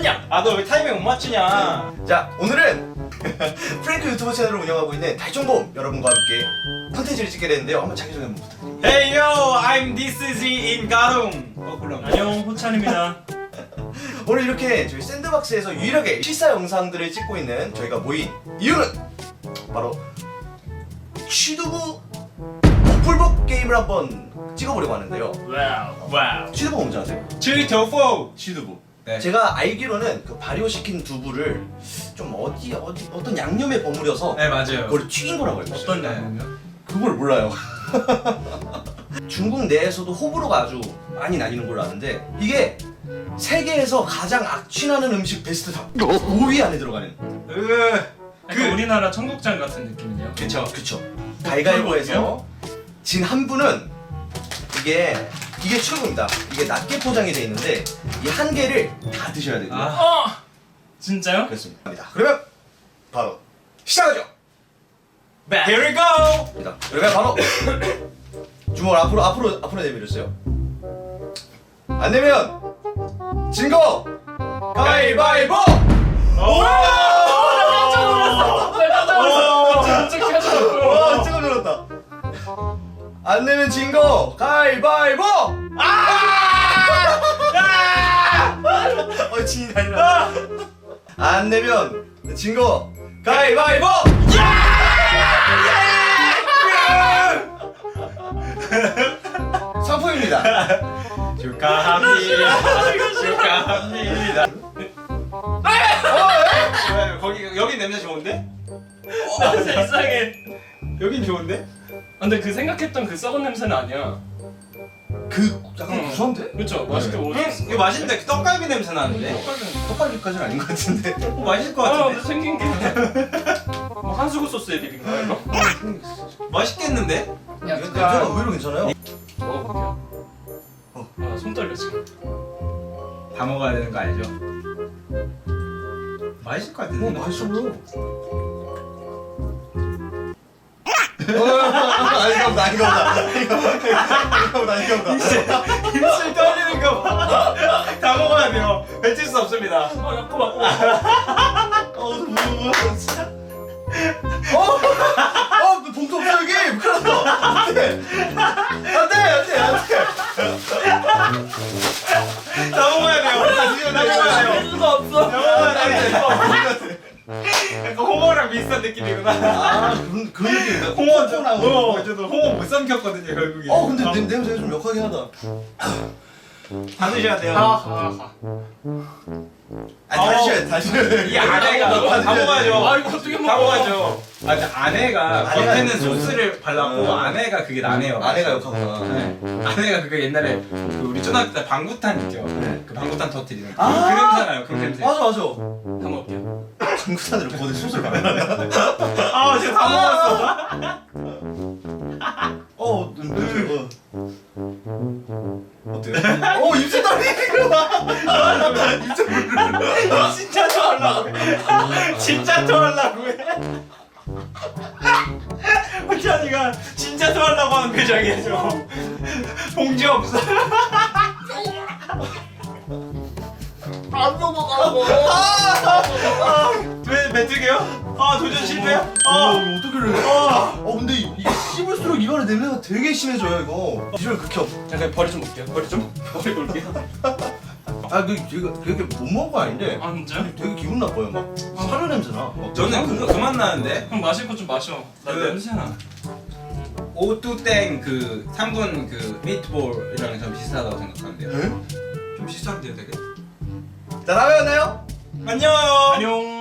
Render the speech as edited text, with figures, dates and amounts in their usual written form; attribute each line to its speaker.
Speaker 1: 맞냐?
Speaker 2: 아 너 왜 타이밍 못 맞추냐?
Speaker 3: 자, 오늘은 프랭크 유튜브 채널을 운영하고 있는 달종범 여러분과 함께 콘텐츠를 찍게 됐는데요. 한번 자기소개 한번 부탁드립니다.
Speaker 2: Hey yo, I'm this is in 가름. 그럼.
Speaker 1: 안녕, 호찬입니다.
Speaker 3: 오늘 이렇게 저희 샌드박스에서 유일하게 실사 영상들을 찍고 있는 저희가 모인 이유는 바로 취두부 풀복 게임을 한번 찍어보려고 하는데요.
Speaker 1: 와우.
Speaker 3: 취두부 뭔지 아세요?
Speaker 2: 칠토포 취두부. 네.
Speaker 3: 제가 알기로는 그 발효시킨 두부를 좀 어떤 양념에 버무려서
Speaker 2: 네 맞아요.
Speaker 3: 그걸 튀긴 거라고 알고 있어요.
Speaker 1: 어떤 양념이요?
Speaker 3: 그걸 몰라요. 중국 내에서도 호불호가 아주 많이 나뉘는 걸로 아는데 이게 세계에서 가장 악취나는 음식 베스트 5위 안에 들어가는.
Speaker 1: 약간 우리나라 청국장 같은 느낌이네요.
Speaker 3: 그쵸. 가위가위보에서 진 한 분은 이게 최고입니다. 이게 낮게 포장이 돼 있는데 이 한 개를 다 드셔야 되고요.
Speaker 1: 진짜요?
Speaker 3: 그렇습니다. 그러면 바로 시작하죠.
Speaker 2: Here we go.
Speaker 3: 그러면 바로 주먹을 앞으로 내밀으세요. 안 내면 진 거 가위바위보.
Speaker 1: 깜짝 놀랐어. 진짜 깜짝 놀랐어.
Speaker 3: 와, 찍어 들었다. 안 내면 진 거 가위바위보. 진이 달라. 안 내면 진 거 가위바위보. 상품입니다.
Speaker 2: 축하합니다. 왜? 거기 여기 냄새 좋은데?
Speaker 1: 세상에.
Speaker 2: 여긴 좋은데?
Speaker 1: 근데 그 생각했던 그 썩은 냄새는 아니야.
Speaker 3: 그 약간 구수한데?
Speaker 1: 그렇죠. 맛있게 먹었어.
Speaker 2: 이거 맛있는데 떡갈비 냄새 나는데?
Speaker 3: 떡갈비까지는 아닌 것 같은데.
Speaker 2: 맛있을 것
Speaker 1: 근데
Speaker 2: 같은데?
Speaker 1: 생긴 게. 뭐 한수구 소스에 비빈 거야 이거?
Speaker 2: 맛있겠는데?
Speaker 3: 냄새가 의외로 괜찮아요.
Speaker 1: 먹어볼게요. 손 떨려 지금.
Speaker 2: 다 먹어야 되는 거 알죠? 맛있을 것 같은데?
Speaker 3: 맛있어 보여. 아닌가 보다.
Speaker 2: 입술 떨리는 거 봐. 다 먹어야 돼요. 뱉을 수 없습니다.
Speaker 1: 약간 맞고.
Speaker 3: 진짜. 봉투 없어 여기. 큰일 났어. 안돼.
Speaker 2: 다 먹어야 돼요. 다 먹어야 돼요.
Speaker 1: 수가 없어.
Speaker 2: 다 먹어야 돼요. 약간 홍어랑 비슷한 느낌이구나.
Speaker 3: 그런 느낌인가?
Speaker 2: 홍어 저도 홍어 못 삼켰거든요 결국에.
Speaker 3: 근데 냄새가 좀 역하긴 하다.
Speaker 2: 다 드셔야 돼요.
Speaker 3: 다시 해야 돼.
Speaker 2: 이 안에가 다 먹어야죠.
Speaker 1: 아 이거 어떻게 먹어?
Speaker 2: 다 먹어야죠. 아 근데 안에가
Speaker 3: 안에가
Speaker 2: 겉에는
Speaker 3: 있어.
Speaker 2: 소스를 발랐고 안에가 그게 나네요.
Speaker 3: 아내가 역하구나.
Speaker 2: 네. 안에가 그거 옛날에 그 우리 초등학교 때 방구탄 있죠.
Speaker 3: 네.
Speaker 2: 그 방구탄 터뜨리는 그
Speaker 3: 아!
Speaker 2: 냄새나요. 그 냄새.
Speaker 3: 맞아.
Speaker 1: 다 먹을게요.
Speaker 3: 방구탄으로 거대 소스를 발라.
Speaker 2: 아 진짜 다 먹었어.
Speaker 3: 어때요? 입술 떨리는 거 봐. 입술
Speaker 2: 진짜 토하려고 해. 진짜 토하려고 해. 호찬이가 진짜 토하려고 하는 표정이에요. 저. 봉지 없어.
Speaker 3: 안 넘어가고.
Speaker 2: 왜 뱉으게요? 도전 실패요?
Speaker 3: 어떻게 그래? 근데 이게 씹을수록 입안에 냄새가 되게 심해져요 이거. 비주얼 극혐.
Speaker 1: 잠깐 버리 좀 볼게요. 버리 볼게요.
Speaker 3: 되게 못 먹은 거 아닌데.
Speaker 1: 아 진짜?
Speaker 3: 되게 기분 나빠요. 막 사료 냄새 나.
Speaker 2: 저는 그거 그만 나는데.
Speaker 1: 형 마실 거 좀 마셔. 나
Speaker 2: 그-
Speaker 1: 냄새 나.
Speaker 2: 오뚜땡 그 3분 그 미트볼이랑 좀 비슷하다고 생각하는데요.
Speaker 3: 에?
Speaker 2: 좀 비슷한데요, 되게.
Speaker 3: 자, 다음에 만나요.
Speaker 2: 안녕.
Speaker 1: 안녕.